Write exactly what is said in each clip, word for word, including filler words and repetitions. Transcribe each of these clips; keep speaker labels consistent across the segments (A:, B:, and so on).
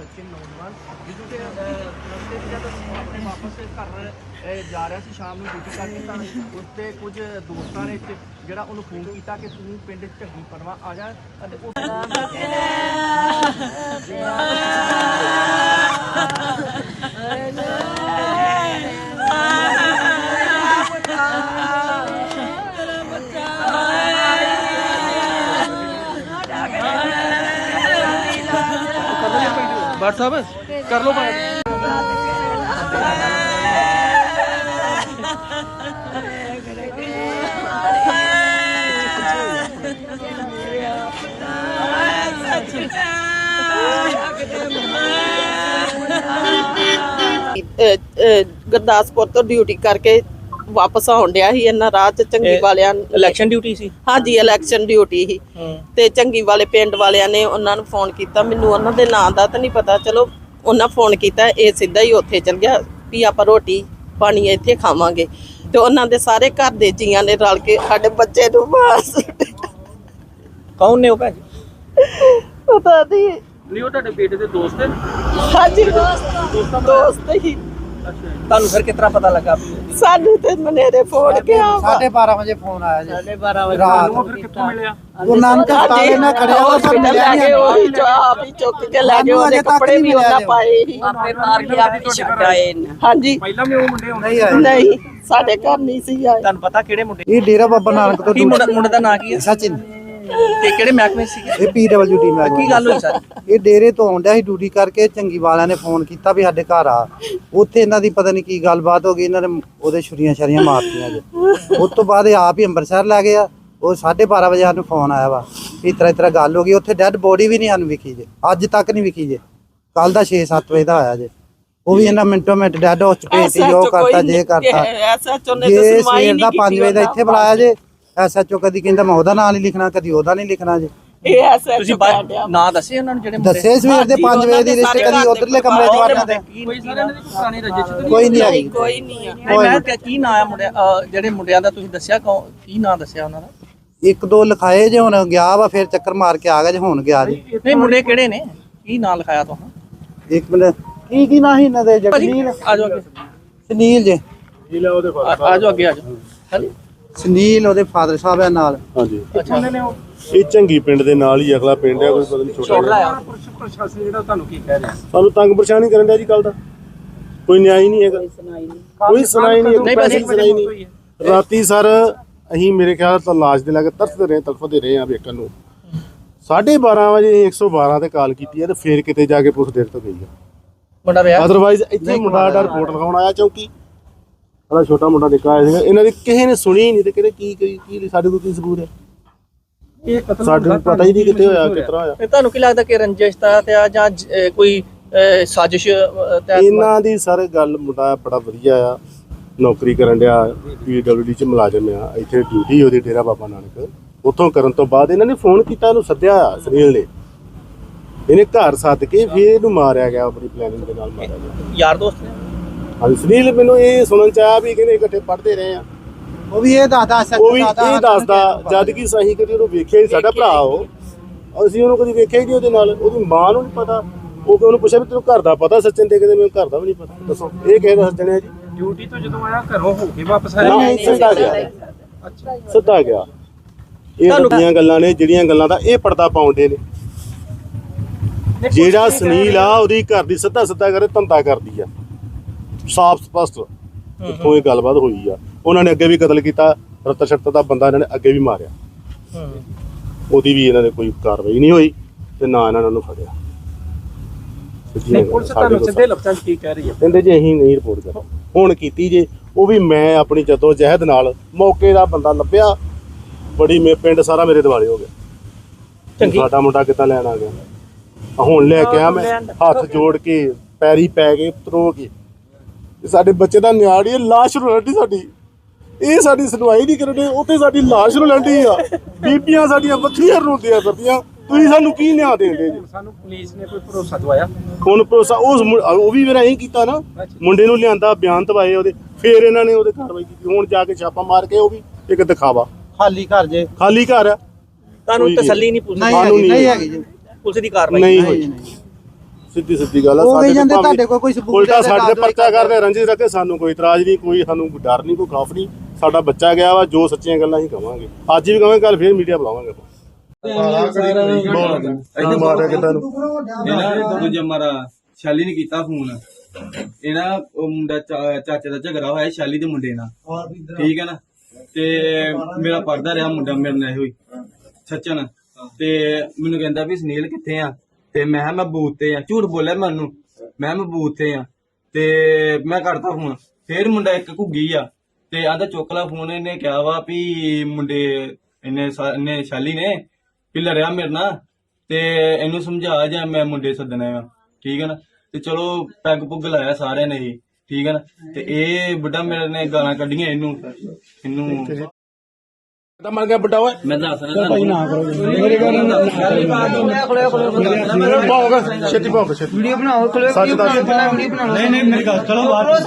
A: ਬੱਚੇ ਨੌਜਵਾਨ ਜਦੋਂ ਕਿ ਰਸਤੇ 'ਚ ਜਦ ਆਪਣੇ ਵਾਪਸ ਘਰ ਜਾ ਰਿਹਾ ਸੀ ਸ਼ਾਮ ਨੂੰ ਡਿਊਟੀ ਕਰਕੇ ਤਾਂ ਉਸ 'ਤੇ ਕੁਝ ਦੋਸਤਾਂ ਨੇ ਜਿਹੜਾ ਉਹਨੂੰ ਫੋਨ ਕੀਤਾ ਕਿ ਤੂੰ ਪਿੰਡ ਝੱਗੀ ਪਰਵਾ ਆ ਜਾ ਅਤੇ ਉਸ व्हाट्सएप कर लो बात
B: ਗੁਰਦਾਸਪੁਰ ਤੋਂ ਡਿਊਟੀ ਕਰਕੇ ਵਾਪਸ ਆਉਣ ਡਿਆ ਸੀ ਇਹਨਾਂ ਰਾਹ ਚ ਚੰਗੀ ਵਾਲਿਆਂ
A: ਇਲੈਕਸ਼ਨ ਡਿਊਟੀ ਸੀ
B: ਹਾਂਜੀ ਇਲੈਕਸ਼ਨ ਡਿਊਟੀ ਸੀ ਤੇ ਚੰਗੀ ਵਾਲੇ ਪਿੰਡ ਵਾਲਿਆਂ ਨੇ ਉਹਨਾਂ ਨੂੰ ਫੋਨ ਕੀਤਾ ਮੈਨੂੰ ਉਹਨਾਂ ਦੇ ਨਾਂ ਦਾ ਤਾਂ ਨਹੀਂ ਪਤਾ ਚਲੋ ਉਹਨਾਂ ਫੋਨ ਕੀਤਾ ਇਹ ਸਿੱਧਾ ਹੀ ਉੱਥੇ ਚਲ ਗਿਆ ਵੀ ਆਪਾਂ ਰੋਟੀ ਪਾਣੀ ਇੱਥੇ ਖਾਵਾਂਗੇ ਤੇ ਉਹਨਾਂ ਦੇ ਸਾਰੇ ਘਰ ਦੇ ਜੀਆਂ ਨੇ ਰਲ ਕੇ ਸਾਡੇ ਬੱਚੇ ਨੂੰ ਮਾਰ
A: ਕੌਣ ਨੇ ਉਹ ਭੈਣ
B: ਪਤਾ ਨਹੀਂ
A: ਨਹੀਂ ਉਹ ਤੁਹਾਡੇ ਬੇਟੇ ਦੇ ਦੋਸਤ ਨੇ
B: ਹਾਂਜੀ ਦੋਸਤ ਦੋਸਤ ਹੀ
A: ਤੁਹਾਨੂੰ ਫਿਰ ਕਿਤਨਾ ਪਤਾ ਲੱਗਾ
B: ਸਾਨੂੰ ਤੇ ਮਨੇਰੇ ਫੋਨ ਗਿਆ
C: साढ़े बारह बजे फोन आया जी
B: साढ़े बारह बजे
C: रात
A: ਫਿਰ ਕਿੱਥੋਂ ਮਿਲਿਆ
C: गुरु नानक अस्पताल में खड़े हो सब मिले
B: लगे वही जो आप ही चुक के लगे ਉਹਦੇ ਕੱਪੜੇ ਵੀ ਉਹਨਾਂ ਪਾਏ ਹੀ ਆਪੇ ਮਾਰ ਕੇ ਆਪੇ ਛੱਡ ਆਏ ਹਾਂਜੀ
A: ਪਹਿਲਾਂ ਵੀ ਉਹ ਮੁੰਡੇ ਆਉਂਦੇ
C: नहीं आए
B: ਨਹੀਂ ਸਾਡੇ ਘਰ ਨਹੀਂ ਸੀ ਆਏ
A: ਤੁਹਾਨੂੰ ਪਤਾ ਕਿਹੜੇ ਮੁੰਡੇ
C: ये डेरा बाबा नानक तो
A: ਕੀ ਮੁੰਡਾ ਮੁੰਡੇ ਦਾ ਨਾਂ ਕੀ ਹੈ
C: सचिन
A: ਤੇ ਕਿਹੜੇ ਮਹਿਕਮੇ ਸੀ
C: ये पी डब्ल्यू डी में
A: ਕੀ ਗੱਲ ਹੋਈ ਸਰ
C: ਇਹ ਡੇਰੇ ਤੋਂ ਆਉਂਦਿਆ ਸੀ ਡਿਊਟੀ ਕਰਕੇ ਚੰਗੀ ਵਾਲਿਆਂ ਨੇ ਫੋਨ ਕੀਤਾ ਵੀ ਸਾਡੇ ਘਰ ਆ ਉੱਥੇ ਇਹਨਾਂ ਦੀ ਪਤਾ ਨਹੀਂ ਕੀ ਗੱਲਬਾਤ ਹੋ ਗਈ ਇਹਨਾਂ ਨੇ ਉਹਦੇ ਛੁਰੀਆਂ ਛਰੀਆਂ ਮਾਰਤੀਆਂ ਜੇ ਉਸ ਤੋਂ ਬਾਅਦ ਇਹ ਆਪ ਹੀ ਅੰਮ੍ਰਿਤਸਰ ਲੈ ਗਏ ਆ ਉਹ ਸਾਢੇ ਬਾਰਾਂ ਵਜੇ ਸਾਨੂੰ ਫੋਨ ਆਇਆ ਵਾ ਵੀ ਇਸ ਤਰ੍ਹਾਂ ਇਸ ਤਰ੍ਹਾਂ ਗੱਲ ਹੋ ਗਈ ਉੱਥੇ ਡੈੱਡ ਬੋਡੀ ਵੀ ਨਹੀਂ ਸਾਨੂੰ ਵਿਖੀ ਜੇ ਅੱਜ ਤੱਕ ਨਹੀਂ ਵਿਖੀ ਜੇ ਕੱਲ ਦਾ ਛੇ ਸੱਤ ਵਜੇ ਦਾ ਆਇਆ ਜੇ ਉਹ ਵੀ ਇਹਨਾਂ ਮਿੰਟੋ ਮਿੰਟ ਡੈੱਡ ਹਾਊਸ ਚ ਭੇਜਤੀ ਉਹ ਕਰਤਾ ਜੇ ਕਰਤਾ ਜੇ ਸਵੇਰ ਦਾ ਪੰਜ ਵਜੇ ਦਾ ਇੱਥੇ ਬੁਲਾਇਆ ਜੇ ਐਸ ਐਚ ਓ ਕਦੀ ਕਹਿੰਦਾ ਮੈਂ ਉਹਦਾ ਨਾਂ ਨਹੀਂ ਲਿਖਣਾ ਕਦੀ ਉਹਦਾ ਨਹੀਂ ਲਿਖਣਾ ਜੇ
B: ਇਹ ਐਸਾ
A: ਤੁਸੀਂ ਨਾਂ ਦੱਸੇ ਉਹਨਾਂ ਨੂੰ ਜਿਹੜੇ
C: ਦੱਸੇ ਸਵੇਰ ਦੇ ਪੰਜ ਵਜੇ ਦੀ ਰਿਸ਼ਤੇ ਕਦੀ ਉਧਰਲੇ ਕਮਰੇ ਚ ਵੜਨਾ ਤੇ
A: ਕੋਈ ਸਾਰੇ ਇਹਨਾਂ ਦੀ ਕੋਈ ਪੁਰਾਣੀ ਰਜਿਸਟਰ
C: ਕੋਈ ਨਹੀਂ ਆਈ
B: ਕੋਈ ਨਹੀਂ ਆ
A: ਨਹੀਂ ਮੈਂ ਕਿਹਾ ਕੀ ਨਾਂ ਆ ਮੁੰਡਿਆਂ ਜਿਹੜੇ ਮੁੰਡਿਆਂ ਦਾ ਤੁਸੀਂ ਦੱਸਿਆ ਕੀ ਨਾਂ ਦੱਸਿਆ ਉਹਨਾਂ ਦਾ
C: ਇੱਕ ਦੋ ਲਿਖਾਏ ਜੇ ਹੁਣ ਗਿਆ ਵਾ ਫਿਰ ਚੱਕਰ ਮਾਰ ਕੇ ਆ ਗਿਆ ਜੇ ਹੁਣ ਗਿਆ ਜੀ
A: ਨਹੀਂ ਮੁੰਡੇ ਕਿਹੜੇ ਨੇ ਕੀ ਨਾਂ ਲਿਖਾਇਆ ਤੁਸੀਂ
C: ਇੱਕ ਮਿੰਟ ਕੀ ਕੀ ਨਾਂ ਸੀ ਇਹਨਾਂ ਦੇ ਜਗਨੀਲ
A: ਆ ਜਾਓ ਅੱਗੇ
C: ਸੁਨੀਲ ਜੇ
A: ਆ ਜਾਓ ਅੱਗੇ ਆ ਜਾਓ ਹਾਂਜੀ
C: ਸੁਨੀਲ ਉਹਦੇ ਫਾਦਰ ਸਾਹਿਬ ਆ ਨਾਲ
D: ਹਾਂਜੀ
A: ਅੱਛਾ ਨੇ ਉਹ
D: ਇਹ ਚੰਗੀ ਪਿੰਡ ਦੇ ਨਾਲ ਹੀ ਅਗਲਾ ਪਿੰਡ ਹੈ ਕੋਈ ਪਤਾ ਨਹੀਂ ਛੋਟਾ
A: ਛੋੜ
D: ਜਿਹਾ।
A: ਲਾਇਆ ਪ੍ਰਸ਼ਾਸਨ ਜਿਹੜਾ ਤੁਹਾਨੂੰ ਕੀ ਕਹਿ ਰਿਹਾ
D: ਸਾਨੂੰ ਤੰਗ ਪਰੇਸ਼ਾਨੀ ਕਰਨ ਡਿਆ ਜੀ ਕੱਲ ਦਾ ਕੋਈ ਨਿਆਂ ਹੀ ਨਹੀਂ ਹੈਗਾ ਕੋਈ ਸੁਣਾਈ ਨਹੀਂ
A: ਨਹੀਂ
D: ਪੈਸੇ
A: ਬਸ
D: ਸੁਣਾਈ ਨਹੀਂ ਰਾਤੀ ਸਰ ਅਸੀਂ ਮੇਰੇ ਖਿਆਲ ਤਾਂ ਲਾਸ਼ ਦੇ ਲਾਗੇ ਤਰਸਦੇ ਰਹੇ ਤੜਫਦੇ ਰਹੇ ਆ ਵੇਖਣ ਨੂੰ ਸਾਢੇ ਬਾਰਾਂ ਵਜੇ ਇੱਕ ਸੌ ਬਾਰਾਂ ਤੇ ਕਾਲ ਕੀਤੀ ਹੈ ਤੇ ਫੇਰ ਕਿਤੇ ਜਾ ਕੇ ਪੁਲਿਸ ਦੇਰ ਤੋਂ ਗਈ ਆ
A: ਮੁੰਡਾ ਵਿਆਹ
D: ਅਦਰਵਾਈਜ਼ ਇੱਥੇ ਮੁੰਡਾ ਦਾ ਰਿਪੋਰਟ ਲਿਖਾਉਣ ਆਇਆ ਚੌਕੀ ਸਾਡਾ ਛੋਟਾ ਮੁੰਡਾ ਨਿੱਕਾ ਆਇਆ ਸੀਗਾ ਇਹਨਾਂ ਦੀ ਕਿਸੇ ਨੇ ਸੁਣੀ ਹੀ ਨਹੀਂ ਤੇ ਕਿਹੜੇ ਕੀ ਕੀ ਕੀ ਸਾਡੇ ਕੋਲ ਕੀ ਸਬੂਤ ਹੈ
A: ਇਹ ਕਤਲ
D: ਸਾਡੇ ਨੂੰ ਪਤਾ ਹੀ ਨਹੀਂ ਕਿੱਥੇ ਹੋਇਆ ਕਿਸ ਤਰ੍ਹਾਂ ਹੋਇਆ
A: ਤੇ ਤੁਹਾਨੂੰ ਕੀ ਲੱਗਦਾ ਕਿ ਰੰਜਿਸ਼ ਦਾ ਤੇ ਆ ਜਾਂ ਜ- ਕੋਈ ਅਹ, ਸਾਜ਼ਿਸ਼ ਅਹ, ਤਹਿਤ
D: ਇਹਨਾਂ ਦੀ ਸਰ ਗੱਲ ਮੁੰਡਾ ਬੜਾ ਵਧੀਆ ਆ ਨੌਕਰੀ ਕਰਨ ਡਿਆ ਪੀ ਡਬਲਯੂ ਡੀ ਚ ਮੁਲਾਜ਼ਮ ਆ ਇੱਥੇ ਡਿਊਟੀ ਉਹਦੀ ਡੇਰਾ ਬਾਬਾ ਨਾਨਕ ਉੱਥੋਂ ਕਰਨ ਤੋਂ ਬਾਅਦ ਇਹਨਾਂ ਨੇ ਫੋਨ ਕੀਤਾ ਇਹਨੂੰ ਸੱਦਿਆ ਸੁਨੀਲ ਨੇ ਇਹਨੇ ਘਰ ਸੱਦ ਕੇ ਫਿਰ ਇਹਨੂੰ ਮਾਰਿਆ ਗਿਆ ਆਪਣੀ ਪਲੈਨਿੰਗ ਦੇ ਨਾਲ ਮਾਰਿਆ ਗਿਆ
A: ਯਾਰ ਦੋਸਤ ਨੇ
D: ਹਾਂਜੀ ਸੁਨੀਲ ਮੈਨੂੰ ਇਹ ਸੁਣਨ ਚ ਆਇਆ ਵੀ ਕਹਿੰਦੇ ਇਕੱਠੇ ਪੜ੍ਹਦੇ ਰਹੇ ਆ
C: ਉਹ ਵੀ ਇਹ ਦੱਸਦਾ ਸੱਚ
D: ਉਹ ਵੀ ਇਹ ਦੱਸਦਾ ਜਦ ਕਿ ਸਹੀ ਕਦੀ ਉਹਨੂੰ ਵੇਖਿਆ ਹੀ ਸਾਡਾ ਭਰਾ ਉਹ ਅਸੀਂ ਉਹਨੂੰ ਕਦੀ ਵੇਖਿਆ ਹੀ ਨਹੀਂ ਉਹਦੇ ਨਾਲ ਉਹਦੀ ਮਾਂ ਨੂੰ ਨਹੀਂ ਪਤਾ ਉਹ ਕਿ ਉਹਨੂੰ ਪੁੱਛਿਆ ਵੀ ਤੈਨੂੰ ਘਰ ਦਾ ਪਤਾ ਸੱਚਨ ਦੇ ਕਹਿੰਦੇ ਮੈਨੂੰ ਘਰ ਦਾ ਵੀ ਨਹੀਂ ਪਤਾ ਦੱਸੋ ਇਹ ਕਿਹਦੇ ਦੱਸ ਜਣੇ ਜੀ
A: ਡਿਊਟੀ ਤੋਂ ਜਦੋਂ ਆਇਆ ਘਰੋਂ ਹੋ ਕੇ ਵਾਪਸ
D: ਨਹੀਂ ਸਿੱਧਾ ਗਿਆ ਸਿੱਧਾ ਗਿਆ ਇਹ ਵੱਡੀਆਂ ਗੱਲਾਂ ਨੇ ਜਿਹੜੀਆਂ ਗੱਲਾਂ ਦਾ ਇਹ ਪਰਦਾ ਪਾਉਂਦੇ ਨੇ ਜਿਹੜਾ ਸੁਨੀਲ ਆ ਉਹਦੀ ਘਰ ਦੀ ਸਿੱਧਾ ਸਿੱਧਾ ਕਰੇ ਧੰਦਾ ਕਰਦੀ ਆ ਸਾਫ਼ ਸਪਸ਼ਟ ਇੱਥੋਂ ਇਹ ਗੱਲਬਾਤ ਹੋਈ ਆ ਉਹਨਾਂ ਨੇ ਅੱਗੇ ਵੀ ਕਤਲ ਕੀਤਾ ਰਤਨ ਸ਼ਰਤ ਦਾ ਬੰਦਾ ਇਹਨਾਂ ਨੇ ਅੱਗੇ ਵੀ ਮਾਰਿਆ ਉਹਦੀ ਵੀ ਇਹਨਾਂ ਨੇ ਕੋਈ ਕਾਰਵਾਈ ਨਹੀਂ ਹੋਈ ਤੇ ਨਾ ਇਹਨਾਂ ਨੇ ਉਹਨੂੰ ਫੜਿਆ
A: ਪੁਲਿਸ ਤੁਹਾਨੂੰ ਸਿੱਧੇ ਲਫ਼ਜ਼ਾਂ 'ਚ ਕੀ ਕਹਿ ਰਹੀ ਹੈ
D: ਕਹਿੰਦੇ ਜੀ ਅਸੀਂ ਨਹੀਂ ਰਿਪੋਰਟ ਕਰ ਹੁਣ ਕੀਤੀ ਜੇ ਉਹ ਵੀ ਮੈਂ ਆਪਣੀ ਜਦੋ ਜਹਿਦ ਨਾਲ ਮੌਕੇ ਦਾ ਬੰਦਾ ਲੱਭਿਆ ਬੜੀ ਮੇ ਪਿੰਡ ਸਾਰਾ ਮੇਰੇ ਦਿਵਾਲੇ ਹੋ ਗਿਆ
A: ਚੰਗੀ
D: ਸਾਡਾ ਮੁੰਡਾ ਕਿੱਦਾਂ ਲੈਣ ਆ ਗਿਆ ਆ ਹੁਣ ਲੈ ਕੇ ਆ ਮੈਂ ਹੱਥ ਜੋੜ ਕੇ ਪੈਰੀ ਪੈ ਕੇ ਉਤਰੋ ਕੇ ਸਾਡੇ ਬੱਚੇ ਦਾ ਨਿਆੜੀ ਹੈ ਲਾਸ਼ ਰੋਲਦੀ ਸਾਡੀ ਇਹ ਸਾਡੀ ਸੁਣਵਾਈ ਨਹੀਂ ਕਰਦੇ ਉੱਥੇ ਸਾਡੀ ਲਾਸ਼ ਰੋਲਦੀ ਆ ਬੀਬੀਆਂ ਸਾਡੀਆਂ ਵੱਖਰੀਆਂ ਰੋਂਦੀਆਂ ਫਿਰਦੀਆਂ ਤੁਸੀਂ ਸਾਨੂੰ ਕੀ ਨਿਆਂ ਦੇਂਦੇ ਜੀ
A: ਸਾਨੂੰ ਪੁਲਿਸ ਨੇ ਕੋਈ ਭਰੋਸਾ ਦਵਾਇਆ
D: ਹੁਣ ਭਰੋਸਾ ਉਸ ਮੁੰ- ਉਹ ਵੀ ਮੇਰਾ ਇਹੀ ਕੀਤਾ ਨਾ ਮੁੰਡੇ ਨੂੰ ਲਿਆਂਦਾ ਬਿਆਨ ਦਵਾਏ ਉਹਦੇ ਫਿਰ ਇਹਨਾਂ ਨੇ ਉਹਦੇ ਕਾਰਵਾਈ ਕੀਤੀ ਹੁਣ ਜਾ ਕੇ ਛਾਪਾ ਮਾਰ ਕੇ ਉਹ ਵੀ ਇੱਕ ਦਿਖਾਵਾ
C: ਖਾਲੀ ਘਰ ਜੇ
D: ਖਾਲੀ ਘਰ ਆ
A: ਤੁਹਾਨੂੰ ਤਸੱਲੀ ਨਹੀਂ ਪੁਲਿਸ
C: ਨਹੀਂ
D: ਸਾਨੂੰ
C: ਹੈਗੀ
D: ਨਹੀਂ
C: ਨਹੀਂ ਹੈਗੀ ਜੀ
A: ਪੁਲਿਸ ਦੀ ਕਾਰਵਾਈ
D: ਨਹੀਂ ਹੋਈ ਸਿੱਧੀ ਸਿੱਧੀ ਗੱਲ ਆ।
C: ਉਹ ਕਹੀ ਜਾਂਦੇ
D: ਭਾਵੇਂ
C: ਤੁਹਾਡੇ ਕੋਲ ਕੋਈ ਸਬੂਤ
D: ਉਲਟਾ
C: ਹੈ,
D: ਸਾਡੇ ਤੇ
C: ਕਾਰਵਾਈ
D: ਪਰਚਾ ਕਰਦੇ ਰੰਜਿਸ਼ ਰੱਖੇ, ਸਾਨੂੰ ਕੋਈ ਇਤਰਾਜ਼ ਨਹੀਂ, ਕੋਈ ਸਾਨੂੰ ਕੋਈ ਡਰ ਨਹੀਂ, ਕੋਈ ਖੌਫ ਨਹੀਂ। ਸਾਡਾ ਬੱਚਾ ਗਿਆ ਵਾ, ਜੋ ਸੱਚੀਆਂ ਗੱਲਾਂ ਅਸੀਂ ਕਵਾਂਗੇ, ਅੱਜ ਵੀ ਕਵਾਂਗੇ, ਕੱਲ ਫੇਰ ਮੀਡੀਆ ਬੁਲਾਵਾਂਗੇ। ਮਾਰਿਆ ਕਿੱਦਾਂ ਨੂੰ
E: ਇਹਨਾਂ ਦੂਜਾ ਮਾਰਾ ਸ਼ੈਲੀ ਨੇ ਕੀਤਾ ਫੋਨ। ਇਹਨਾਂ ਉਹ ਮੁੰਡਾ ਚਾ- ਚਾਚੇ ਦਾ ਝਗੜਾ ਹੋਇਆ ਸ਼ੈਲੀ ਦੇ ਮੁੰਡੇ ਨਾਲ, ਠੀਕ ਹੈ ਨਾ। ਤੇ ਮੇਰਾ ਪੜਦਾ ਰਿਹਾ ਮੁੰਡਾ ਮੇਰੇ ਨਾਲ ਹੋਈ ਸਚਨ, ਤੇ ਮੈਨੂੰ ਕਹਿੰਦਾ ਵੀ ਸੁਨੀਲ ਕਿੱਥੇ ਆ, ਤੇ ਮੈਂ ਕਿਹਾ ਮੈਂ ਬੂਥ ਤੇ ਆ। ਝੂਠ ਬੋਲਿਆ ਮੈਨੂੰ, ਮੈਂ ਮੈਂ ਬੂਥ ਤੇ ਆ, ਤੇ ਮੈਂ ਕਰਤਾ ਫੋਨ। ਫੇਰ ਮੁੰਡਾ ਇੱਕ ਘੁੱਗੀ ਆ, ਤੇ ਆਂਦਾ ਚੁੱਕ ਲਾ ਫੋਨ। ਇਹਨੇ ਕਿਹਾ ਵਾ ਵੀ ਮੁੰਡੇ ਇਹਨੇ ਸਾ- ਇਹਨੇ ਸ਼ੈਲੀ ਨੇ ਵੀ ਲੜਿਆ ਮੇਰੇ ਨਾਲ, ਤੇ ਇਹਨੂੰ ਸਮਝਾ ਜਾਂ ਮੈਂ ਮੁੰਡੇ ਸੱਦਣੇ ਆ, ਠੀਕ ਹੈ ਨਾ। ਤੇ ਚਲੋ ਪੈਗ ਪੁੱਗ ਲਾਇਆ ਸਾਰਿਆਂ ਨੇ ਹੀ, ਠੀਕ ਹੈ ਨਾ। ਤੇ ਇਹ ਬੁੱਢਾ ਮੇਰੇ ਨੇ ਗਾਲਾਂ ਕੱਢੀਆਂ ਇਹਨੂੰ ਇਹਨੂੰ
D: ਤਾਂ ਮਰ ਗਿਆ ਬਟਾ ਓਏ
E: ਮੈਂ ਦੱਸ ਰਿਹਾ ਭਾਈ ਨਾ ਕਰੋ
D: ਭਾਉਗਾ ਛੇਤੀ ਭਾਉਗਾ ਛੇਤੀ ਵੀਡੀਓ ਬਣਾਓ ਸੱਚ ਦੱਸ ਵੀਡੀਓ ਬਣਾਓ।
E: ਨਹੀਂ ਨਹੀਂ ਮੇਰੀ ਗੱਲ ਚਲੋ ਬਾਹਰ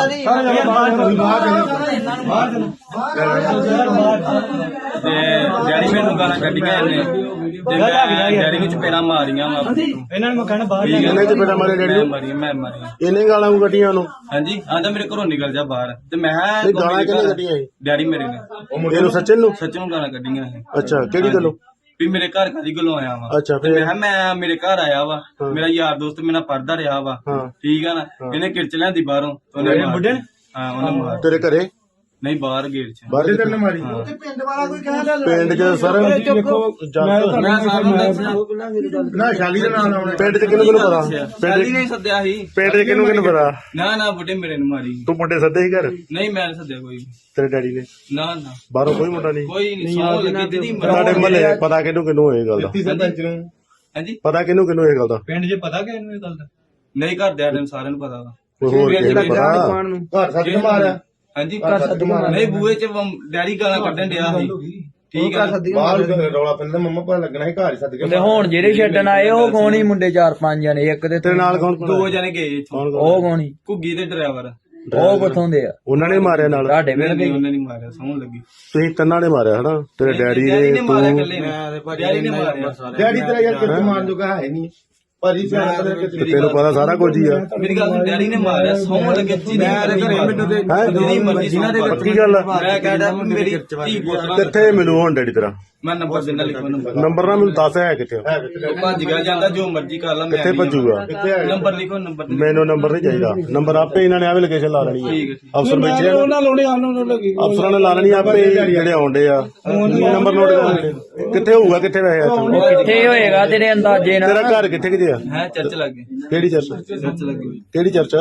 E: ਤੇ ਡੈਡੀ ਮੈਨੂੰ ਗਾਲਾਂ ਕੱਢੀਆਂ ਇਹਨੇ, ਤੇ ਮੈਂ ਡੈਡੀ ਨੂੰ ਚਪੇੜਾਂ ਮਾਰੀਆਂ ਵਾ ਇਹਨਾਂ ਨੂੰ ਕਹਿਣਾ ਬਾਹਰ
D: ਇਹਨੇ ਚ ਬੇਟਾ ਮਾਰੇ ਡੈਡੀ ਨੂੰ,
E: ਮਾਰੀਆਂ ਮੈਂ ਮਾਰੀਆਂ।
D: ਇਹਨੇ ਗਾਲਾਂ ਨੂੰ ਕੱਢੀਆਂ ਉਹਨੂੰ।
E: ਹਾਂਜੀ ਆਂਦਾ ਮੇਰੇ ਘਰੋਂ ਨਿਕਲ ਜਾ ਬਾਹਰ, ਤੇ ਮੈਂ
D: ਇਹ ਗਾਲਾਂ ਕਿਹਨੇ ਕੱਢੀਆਂ ਇਹ?
E: ਡੈਡੀ ਮੇਰੇ ਨੇ
D: ਇਹਨੂੰ ਸੱਚਨ ਨੂੰ?
E: ਸੱਚ ਨੂੰ ਗਾਲਾਂ ਕੱਢੀਆਂ ਇਹ।
D: ਅੱਛਾ ਕਿਹੜੀ ਗੱਲੋਂ?
E: ਵੀ ਮੇਰੇ ਘਰ ਕਾਦੀ ਗੱਲੋਂ ਆਇਆ ਵਾ।
D: ਅੱਛਾ
E: ਤੇ
D: ਫਿਰ
E: ਮੈਂ ਕਿਹਾ ਮੈਂ ਮੇਰੇ ਘਰ ਆਇਆ ਵਾ, ਮੇਰਾ ਯਾਰ ਦੋਸਤ ਮੇਰੇ ਨਾਲ ਪੜਦਾ ਰਿਹਾ ਵਾ,
D: ਹਾਂ
E: ਠੀਕ ਆ ਨਾ। ਇਹਨੇ ਕਿਰਚ ਲਿਆਂਦੀ ਬਾਹਰੋਂ, ਉਹਨੇ ਬੁੱਢੇ ਹਾਂ ਉਹਨੇ ਮਾਰ
D: ਤੇਰੇ ਘਰੇ
E: ਨਹੀਂ ਬਾਹਰ ਗੇਟ ਚ
D: ਬਾਹਰ ਕਿੱਥੇ ਮਾਰੀ?
C: ਪਿੰਡ ਵਾਲਾ ਕੋਈ ਕਹਿੰਦਾ
D: ਪਿੰਡ ਚ ਸਰ ਦੇਖੋ
E: ਮੈਂ ਸਾਨੂੰ ਦੱਸਿਆ
D: ਨਾ ਸ਼ਾਲੀ ਦੇ ਨਾਮ ਆਉਣਾ ਪਿੰਡ ਚ ਕਿਹਨੂੰ ਕਿਹਨੂੰ ਪਤਾ? ਪਿੰਡ
E: ਪਹਿਲੀ ਨਹੀਂ ਸੱਦਿਆ ਸੀ,
D: ਪਿੰਡ ਚ ਕਿਹਨੂੰ ਕਿਹਨੂੰ ਪਤਾ?
E: ਨਾ ਨਾ ਬੁੱਢੇ ਮੇਰੇ ਨੂੰ ਮਾਰੀ।
D: ਤੂੰ ਮੁੰਡੇ ਸੱਦੇ ਸੀ ਘਰ
E: ਨਹੀਂ ਮੈਂ ਨੀ ਸੱਦਿਆ ਕੋਈ,
D: ਤੇਰੇ ਡੈਡੀ ਨੇ?
E: ਨਾ ਨਾ
D: ਬਾਹਰੋਂ ਕੋਈ ਮੁੰਡਾ ਨਹੀਂ?
E: ਕੋਈ ਨਹੀਂ। ਸੌ ਲੱਗੀ ਦੀਦੀ
D: ਸਾਡੇ ਮਹੱਲੇ ਪਤਾ ਕਿਹਨੂੰ ਕਿਹਨੂੰ ਇਹ ਗੱਲ ਦਾ?
E: ਹਾਂਜੀ
D: ਪਤਾ ਕਿਹਨੂੰ ਕਿਹਨੂੰ ਇਹ ਗੱਲ ਦਾ?
E: ਪਿੰਡ 'ਚ ਪਤਾ ਕਿ ਇਹਨੂੰ ਇਹ ਗੱਲ ਦਾ ਨਹੀਂ, ਘਰ ਦੇ ਆਦਮ ਸਾਰਿਆਂ ਨੂੰ ਪਤਾ ਵਾ।
D: ਕੋਈ ਹੋਰ ਕਿਸੇ ਨੂੰ ਪਤਾ?
E: ਘਰ ਸੱਦ ਕੇ ਮਾਰਿਆ। ਹਾਂਜੀ ਘਰ ਸੱਦ ਕੇ ਮਾਰਿਆ। ਨਹੀਂ ਬੂਹੇ 'ਚ ਡੈਡੀ ਗਾਲਾਂ ਕੱਢਣ ਡਿਆ ਸੀ, ਠੀਕ ਆ।
F: ਬਾਹਰ ਰੌਲਾ ਪੈਂਦਾ ਮੰਮਾ ਪਤਾ ਲੱਗਣਾ ਸੀ ਘਰ ਹੀ ਸੱਦ ਕੇ।
G: ਤੇ ਹੁਣ ਜਿਹੜੇ ਛੱਡਣ ਆਏ ਉਹ ਕੌਣ ਹੀ ਮੁੰਡੇ ਚਾਰ ਪੰਜ ਜਣੇ, ਇੱਕ ਦੇ
D: ਤੇਰੇ ਨਾਲ ਕੌਣ ਕੌਣ?
E: ਦੋ ਜਣੇ ਗਏ ਇੱਥੋਂ,
G: ਉਹ ਕੌਣ ਹੀ?
E: ਘੁੱਗੀ ਤੇ ਡਰਾਈਵਰ।
G: ਉਹ ਕਿੱਥੋਂ ਦੇ ਆ?
D: ਉਹਨਾਂ ਨੇ ਮਾਰਿਆ ਨਾਲ?
G: ਤੁਹਾਡੇ ਵੇਲੇ
E: ਨਹੀਂ ਉਹਨੇ ਨਹੀਂ ਮਾਰਿਆ, ਸੌਣ ਲੱਗੀ।
D: ਤੁਸੀਂ ਤਿੰਨਾਂ ਨੇ ਮਾਰਿਆ ਹਨਾ? ਤੇਰੇ ਡੈਡੀ
E: ਡੈਡੀ
D: ਨੇ,
E: ਨੇ ਮਾਰਿਆ
D: ਤੂੰ
E: ਇਕੱਲੇ ਨੇ, ਡੈਡੀ ਨੇ ਮਾਰਿਆ।
F: ਡੈਡੀ ਤੇਰਾ ਯਾਰ ਕਿੱਥੇ ਮਾਰਨ ਜੋਗਾ ਹੈ ਨਹੀਂ ਭਾਜੀ ਸਿਆਣਾ ਪਤਾ
D: ਤੇ ਤੈਨੂੰ ਪਤਾ ਸਾਰਾ ਕੁਝ ਹੀ ਆ।
E: ਮੇਰੀ ਗੱਲ ਸੁਣ, ਡੈਡੀ ਨੇ ਮਾਰਿਆ, ਸੌਣ ਲੱਗੇ। ਜਿਹਦੀ ਘਰੇ ਮੈਨੂੰ ਤੇ ਜਿਹਦੀ ਮਰਜ਼ੀ ਸੌਂ ਪਵੇ।
D: ਪੱਕੀ ਗੱਲ ਆ?
E: ਮੈਂ ਕਹਿੰਦਾ ਮੇਰੀ ਧੀ ਪੁੱਤਰਾਂ
D: ਕਿੱਥੇ ਮਿਲੂ ਹੁਣ ਡੈਡੀ ਤੇਰਾ?
E: ਮੈਂ ਨੰਬਰ ਦਿੰਦਾ, ਲਿਖੋ ਨੰਬਰ।
D: ਨੰਬਰ ਨਾ ਮੈਨੂੰ ਦੱਸ ਹੈ ਕਿੱਥੇ?
E: ਉਹ ਭੱਜ ਗਿਆ ਜਾਂਦਾ, ਜੋ ਮਰਜ਼ੀ ਕਰ ਲਾ। ਮੈਂ
D: ਕਿੱਥੇ ਭੱਜੂਗਾ?
E: ਨੰਬਰ ਲਿਖੋ, ਨੰਬਰ ਲਿਖੋ।
D: ਮੈਨੂੰ ਨੰਬਰ ਨਹੀਂ ਚਾਹੀਦਾ, ਨੰਬਰ ਆਪੇ ਇਹਨਾਂ ਨੇ ਆਵੇ ਲੋਕੇਸ਼ਨ ਲਾ ਲੈਣੀ
E: ਠੀਕ
D: ਹੈ।
E: ਹੈ।
D: ਅਫਸਰ ਬੈਠੇ ਆ, ਅਫਸਰਾਂ ਨੇ ਲਾ ਲੈਣੀ ਆਪੇ ਜਿਹੜੇ ਆਉਂਦੇ ਆ ਨੰਬਰ ਨੋਟ ਕਰਕੇ। ਕਿੱਥੇ ਹੋਊਗਾ, ਕਿੱਥੇ ਵੈਸੇ ਇੱਥੇ?
G: ਕਿੱਥੇ ਹੋਏਗਾ ਤੇਰੇ ਅੰਦਾਜ਼ੇ ਨਾਲ?
D: ਤੇਰਾ ਘਰ ਕਿੱਥੇ ਕਿਤੇ ਆ?
E: ਹੈ ਚਰਚ ਲੱਗੇ,
D: ਕਿਹੜੀ ਚਰਚ?
E: ਚਰਚ ਲੱਗੇ।
D: ਕਿਹੜੀ ਚਰਚ?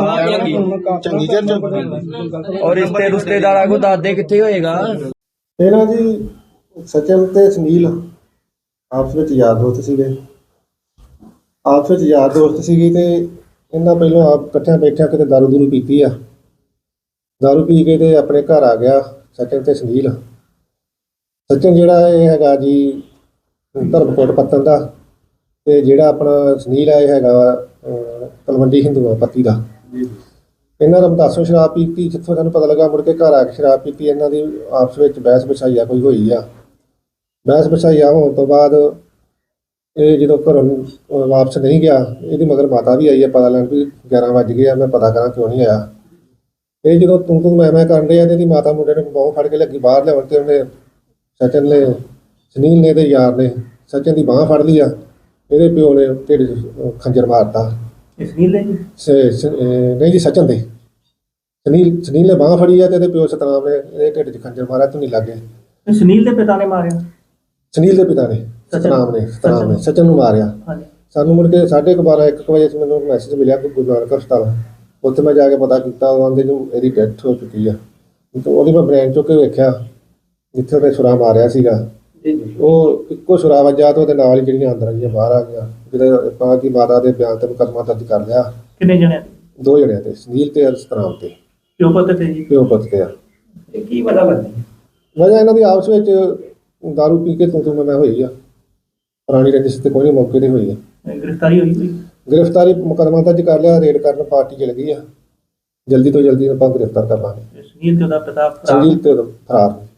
D: ਚੰਗੀ ਚਰਚ।
G: ਔਰ ਰਿਸ਼ਤੇ ਰਿਸ਼ਤੇਦਾਰਾਂ ਕੋ ਦਾਦੇ ਕਿੱਥੇ ਹੋਏਗਾ?
F: ਇਹਨਾਂ ਜੀ ਸਚਨ ਤੇ ਸੁਨੀਲ ਆਪਸ ਵਿੱਚ ਯਾਰ ਦੋਸਤ ਸੀਗੇ, ਆਪਸ ਵਿੱਚ ਯਾਰ ਦੋਸਤ ਸੀਗੇ ਤੇ ਇਹਨਾਂ ਪਹਿਲਾਂ ਆਪ ਇਕੱਠਿਆਂ ਬੈਠਿਆਂ ਕਿਤੇ ਦਾਰੂ ਦੂਰੂ ਪੀਤੀ ਆ। ਦਾਰੂ ਪੀ ਕੇ ਤੇ ਆਪਣੇ ਘਰ ਆ ਗਿਆ ਸਚਨ ਤੇ ਸੁਨੀਲ। ਸਚਨ ਜਿਹੜਾ ਇਹ ਹੈਗਾ ਜੀ ਧਰਮਕੋਟ ਪੱਤਨ ਦਾ, ਤੇ ਜਿਹੜਾ ਆਪਣਾ ਸੁਨੀਲ ਆ ਇਹ ਹੈਗਾ ਅਹ, ਤਲਵੰਡੀ ਹਿੰਦੂਆਂ ਪੱਤੀ ਦਾ। ਇਹਨਾਂ ਦਾ ਮਤਾਸੋਂ ਸ਼ਰਾਬ ਪੀਤੀ, ਜਿੱਥੋਂ ਸਾਨੂੰ ਪਤਾ ਲੱਗਾ ਮੁੜ ਕੇ ਘਰ ਆ ਕੇ ਸ਼ਰਾਬ ਪੀਤੀ। ਇਹਨਾਂ ਦੀ ਆਪਸ ਵਿੱਚ ਬਹਿਸ ਬਸਾਈਆ ਕੋਈ ਹੋਈ ਆ। ਬਹਿਸ ਬਸਾਈਆ ਹੋਣ ਤੋਂ ਬਾਅਦ ਇਹ ਜਦੋਂ ਘਰੋਂ ਅਹ ਵਾਪਸ ਨਹੀਂ ਗਿਆ, ਇਹਦੀ ਮਗਰ ਮਾਤਾ ਵੀ ਆਈ ਆ ਪਤਾ ਲੈਣ ਵੀ ਗਿਆਰਾਂ ਵੱਜ ਗਏ ਆ, ਮੈਂ ਪਤਾ ਕਰਾਂ ਕਿਉਂ ਨਹੀਂ ਆਇਆ। ਇਹ ਜਦੋਂ ਤੂੰ ਤੂੰ ਮੈਂ ਮੈਂ ਕਰਨ ਰਿਹਾ ਤੇ ਇਹਦੀ ਮਾਤਾ ਮੁੰਡੇ ਨੇ ਬਾਹੋਂ ਫੜ ਕੇ ਲੱਗੀ ਬਾਹਰ ਲਿਆਉਣ, ਤੇ ਉਹਨੇ ਸਚਨ ਨੇ ਸੁਨੀਲ ਨੇ ਤੇ ਯਾਰ ਨੇ ਸਚਨ ਦੀ ਬਾਂਹ ਫੜ ਲਈ ਆ। ਇਹਦੇ ਪਿਓ ਨੇ ਢਿੱਡ 'ਚ ਖੰਜਰ ਮਾਰਤਾ।
G: ਸੁਨੀਲ ਨੇ
F: ਸ- ਸ- ਅਹ ਨਹੀਂ ਜੀ ਸਚਨ ਦੇ ਸੁਨੀਲ ਸੁਨੀਲ ਨੇ ਬਾਂਹ ਫੜੀ ਆ ਤੇ ਇਹਦੇ ਪਿਓ ਸਤਨਾਮ ਨੇ ਇਹਦੇ ਢਿੱਡ 'ਚ ਖੰਜਰ ਮਾਰਿਆ। ਤੂੰ ਨਹੀਂ ਲੱਗੇ
G: ਸੁਨੀਲ ਦੇ ਪਿਤਾ ਨੇ ਮਾਰਿਆ?
F: ਸੁਨੀਲ ਦੇ ਪਿਤਾ ਨੇ ਸਤਨਾਮ ਨੇ ਸਤਨਾਮ ਨੇ ਸਚਨ ਨੂੰ ਮਾਰਿਆ।
G: ਹਾਂਜੀ।
F: ਸਾਨੂੰ ਮੁੜ ਕੇ ਸਾਢੇ ਕੁ ਬਾਰਾਂ ਇੱਕ ਕੁ ਵਜੇ ਮੈਨੂੰ ਮੈਸੇਜ ਮਿਲਿਆ ਕਿ ਗੁਰੂ ਨਾਨਕ ਹਸਪਤਾਲ, ਉੱਥੇ ਮੈਂ ਜਾ ਕੇ ਪਤਾ ਕੀਤਾ, ਉਹ ਆਂਦੇ ਨੂੰ ਇਹਦੀ ਡੈਥ ਹੋ ਚੁੱਕੀ ਆ। ਤੇ ਉਹਦੀ ਮੈਂ ਬ੍ਰੇਨ ਚੁੱਕ ਕੇ ਵੇਖਿਆ ਜਿੱਥੇ ਉਹਨੇ ਛੁਰਾ ਮਾਰਿਆ ਸੀਗਾ, ਉਹ ਇੱਕੋ ਛੁਰਾ ਵੱਜਾ ਤੇ ਉਹਦੇ ਨਾਲ ਹੀ ਜਿਹੜੀਆਂ ਅੰਦਰ ਆਈਆਂ ਬਾਹਰ ਆ ਗਈਆਂ। ਜਿਹੜੇ ਆਪਾਂ ਕੀ ਮਾਤਾ ਦੇ ਬਿਆਨ ਤੇ ਮੁਕੱਦਮਾ ਦਰਜ ਕਰ ਲਿਆ।
G: ਕਿੰਨੇ ਜਣੇ?
F: ਦੋ ਜਣਿਆਂ ਤੇ, ਸੁਨੀਲ ਤੇ ਸਤਨਾਮ ਤੇ,
G: ਪਿਓ ਪੁੱਤ ਤੇ ਜੀ?
F: ਪਿਓ ਪੁੱਤ ਤੇ ਆ।
G: ਇਹ ਕੀ ਵਜ੍ਹਾ ਬਣਦੀ?
F: ਵਜ੍ਹਾ ਇਹਨਾਂ ਦੀ ਆਪਸ ਵਿੱਚ ਦਾਰੂ ਪੀ ਕੇ ਤੂੰ ਤੂੰ ਮੈਂ ਮੈਂ ਹੋਈ ਆ। ਪੁਰਾਣੀ ਰੰਜਿਸ਼ ਤੇ ਕੋਈ ਨਹੀਂ ਮੌਕੇ ਤੇ ਹੋਈ ਆ।
G: ਗ੍ਰਿਫਤਾਰੀ ਹੋਈ ਕੋਈ?
F: ਗ੍ਰਿਫਤਾਰੀ ਮੁਕੱਦਮਾ ਦਰਜ ਕਰ ਲਿਆ, ਰੇਡ ਕਰਨ ਪਾਰਟੀ ਚਲ ਗਈ ਆ। ਜਲਦੀ ਤੋਂ ਜਲਦੀ ਆਪਾਂ ਗ੍ਰਿਫਤਾਰ ਕਰ ਲਾਂਗੇ।
G: ਸੁਨੀਲ ਤੇ ਉਹਦਾ ਪਿਤਾ
F: ਸੁਨੀਲ ਤੇ ਉਹਦਾ ਫਰਾਰ ਨੇ।